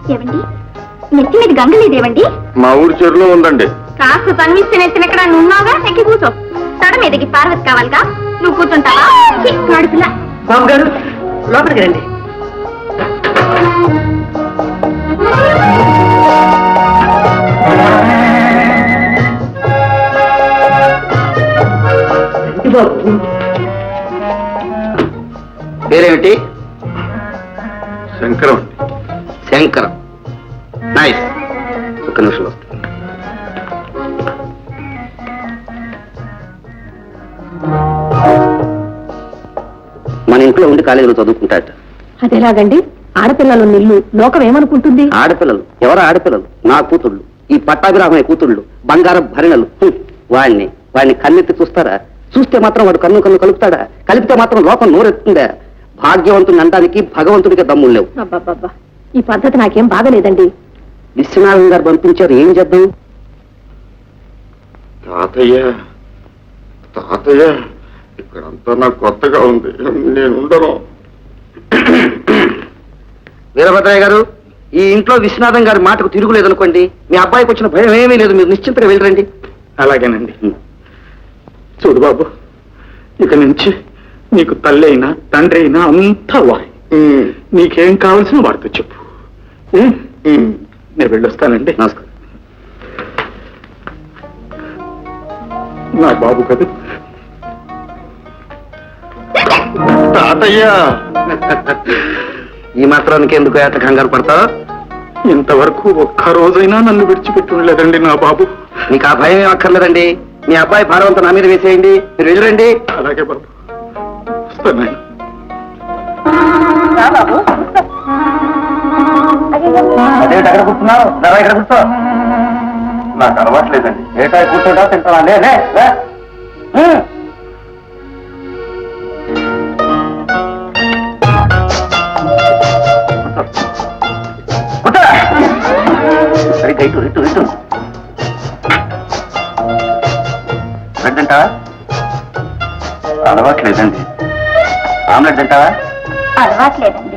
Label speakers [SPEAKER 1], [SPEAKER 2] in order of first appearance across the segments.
[SPEAKER 1] ఏవండి, నెత్తి మీద గంగ లేదేవండి?
[SPEAKER 2] మా ఊరి చెరువులో ఉందండి.
[SPEAKER 1] కాస్త తన్విస్తే నెత్తిన ఎక్కడ ఉన్నావుగా, ఎక్కి కూర్చో. తడ మీదకి పార్వతి కావాలిగా, నువ్వు కూర్చుంటావా? కాడుపులా.
[SPEAKER 3] బాబు గారు లోపలికి రండి.
[SPEAKER 4] పేరేమిటి?
[SPEAKER 2] శంకరం.
[SPEAKER 4] శంకరం. నైస్. ఒక్క నిమిషం వస్తుంది. మన ఇంట్లో ఉండి కాలేజీలో చదువుకుంటాట.
[SPEAKER 3] అదేలాగండి? ఆడపిల్లలు నిల్లు లోకం ఏమనుకుంటుంది?
[SPEAKER 4] ఆడపిల్లలు? ఎవరు ఆడపిల్లలు? నా కూతుళ్ళు, ఈ పట్టాభిరామయ్య కూతుళ్ళు, బంగారం భరిణలు. వాడిని కన్నెత్తి చూస్తారా? చూస్తే మాత్రం వాడు కన్ను కలుపుతాడా? కలిపితే మాత్రం లోకం నోరెత్తుందా? భాగ్యవంతుని అనడానికి భగవంతుడికి దమ్ములు లేవు.
[SPEAKER 3] అబ్బాబ్బా, ఈ పద్ధతి నాకేం బాగలేదండి.
[SPEAKER 4] విశ్వనాథం గారు పంపించారు, ఏం చేద్దాం?
[SPEAKER 2] తాతయ్య తాతయ్య, ఇక్కడంతా నాకు కొత్తగా ఉంది, నేను ఉండను.
[SPEAKER 4] వీరభద్రయ్య గారు, ఈ ఇంట్లో విశ్వనాథం గారి మాటకు తిరుగులేదనుకోండి. మీ అబ్బాయికి వచ్చిన భయం ఏమీ లేదు, మీరు నిశ్చింతగా వెళ్ళరండి.
[SPEAKER 2] అలాగేనండి. చూడు బాబు, ఇక నుంచి నీకు తల్లి అయినా తండ్రి అయినా అంతా వాయి. నీకేం కావాల్సిన వాడితో చెప్పు. నేను వెళ్ళొస్తానండి.
[SPEAKER 4] నమస్కారం.
[SPEAKER 2] నా బాబు కదా తాతయ్య.
[SPEAKER 4] ఈ మాత్రానికి ఎందుకు ఏట కంగారు పడతావు?
[SPEAKER 2] ఇంతవరకు ఒక్క రోజైనా నన్ను విడిచిపెట్టి ఉండలేదండి నా బాబు.
[SPEAKER 4] మీకు ఆ భయం ఏం అక్కర్లేదండి. మీ అబ్బాయి భారవంతా నా మీద వేసేయండి, మీరు వెళ్ళరండి.
[SPEAKER 2] అలాగే బాబు, వస్తాను.
[SPEAKER 4] అదేంటి అక్కడ కూర్చున్నావు? ఇక్కడ కూర్చో.
[SPEAKER 2] నాకు అలవాట్లేదండి.
[SPEAKER 4] ఏటా కూర్చోటా తింటావా? లే. సరిగ్గా ఇటు ఇటు ఇటు. బ్రెడ్ తింటావా?
[SPEAKER 2] అలవాట్లేదండి.
[SPEAKER 4] ఆమ్లెట్ తింటావా?
[SPEAKER 1] అలవాట్లేదండి.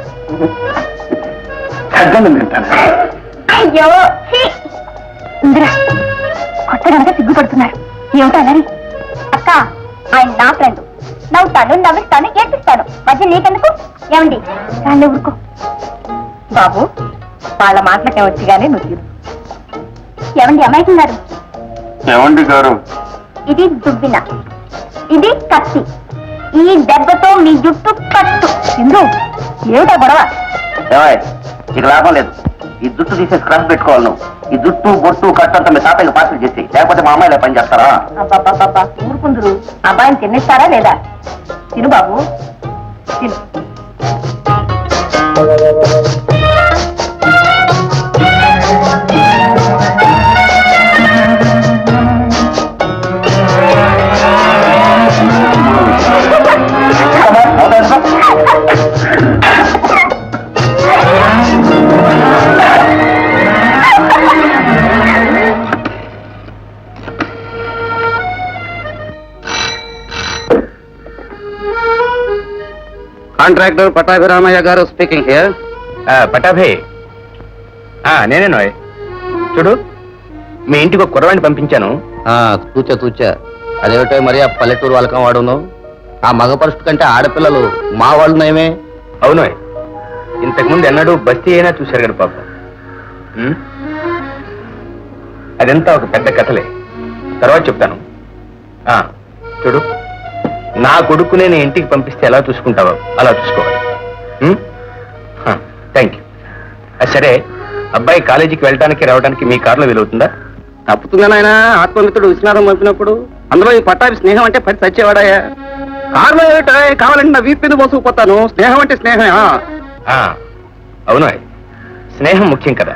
[SPEAKER 2] తగ్గని తింటాను.
[SPEAKER 1] అయ్యో ఇందిరా, కొత్త కనుక సిగ్గుపడుతున్నారు. ఏమిటనని? అక్క, ఆయన నా ఫ్రెండ్. నవ్వుతాను, నవ్విస్తాను, ఏడ్పిస్తాను. మధ్య నీకెందుకు? ఏమండి దాన్ని ఊరుకో.
[SPEAKER 3] బాబు, వాళ్ళ మాటలకే వచ్చి గానీ నువ్వు తీరు.
[SPEAKER 1] ఏమండి అమాయకున్నారు?
[SPEAKER 2] ఏమండి గారు?
[SPEAKER 1] ఇది దుబ్బిన, ఇది కత్తి. ఈ దెబ్బతో మీ జుట్టు కట్టు.
[SPEAKER 3] సింధు, ఏమిటా గొడవ?
[SPEAKER 4] ఏవాయ్, నీకు లాభం లేదు. ఈ జుట్టు తీసేసి క్రష్ పెట్టుకోవాలి నువ్వు. ఈ జుట్టు బొట్టు కట్టంతా మీ తాతయ్యకి పార్సల్ చేసి, లేకపోతే మా అమ్మాయిలే పని చేస్తారా?
[SPEAKER 3] అబ్బాబ్బాబ్బా, ఊరుకుందరు. అబ్బాయిని తినేస్తారా లేదా? తిను బాబు, తిను.
[SPEAKER 4] కాంట్రాక్టర్ పట్టాభిరామయ్య గారు స్పీకింగ్ హియర్.
[SPEAKER 5] పటాభే, నేనే నోయ్. చూడు, మీ ఇంటికి ఒక కుర్రవాణ్ణి పంపించాను.
[SPEAKER 4] తూచా అదేమిటో మరి ఆ పల్లెటూరు వాళ్ళకం వాడును. ఆ మగ పరుషుడు కంటే ఆడపిల్లలు మా వాళ్ళు నయమే.
[SPEAKER 5] అవునోయ్, ఇంతకుముందు ఎన్నడూ బస్తీ అయినా చూశారు కదా పాపం. అదంతా ఒక పెద్ద కథలే, తర్వాత చెప్తాను. చూడు, నా కొడుకు నేను ఇంటికి పంపిస్తే ఎలా చూసుకుంటావో అలా చూసుకోవాలి. Thank you. సరే, అబ్బాయి కాలేజీకి వెళ్ళడానికి రావడానికి మీ కారులో వీలవుతుందా?
[SPEAKER 4] తప్పుతుందా నాయన? ఆత్మమిత్రుడు విశ్వనాథం పంపినప్పుడు అందులో ఈ పట్టాభి స్నేహం అంటే పడి చచ్చేవాడాయా? కారులో ఏమిటా? కావాలంటే నా వీపు మీద మోసుకుపోతాను. స్నేహం అంటే స్నేహమే.
[SPEAKER 5] అవును, స్నేహం ముఖ్యం కదా.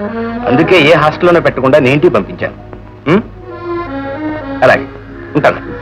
[SPEAKER 5] అందుకే ఏ హాస్టల్లోనే పెట్టకుండా నేను ఇంటికి పంపించాను. అలాగే ఉంటాను.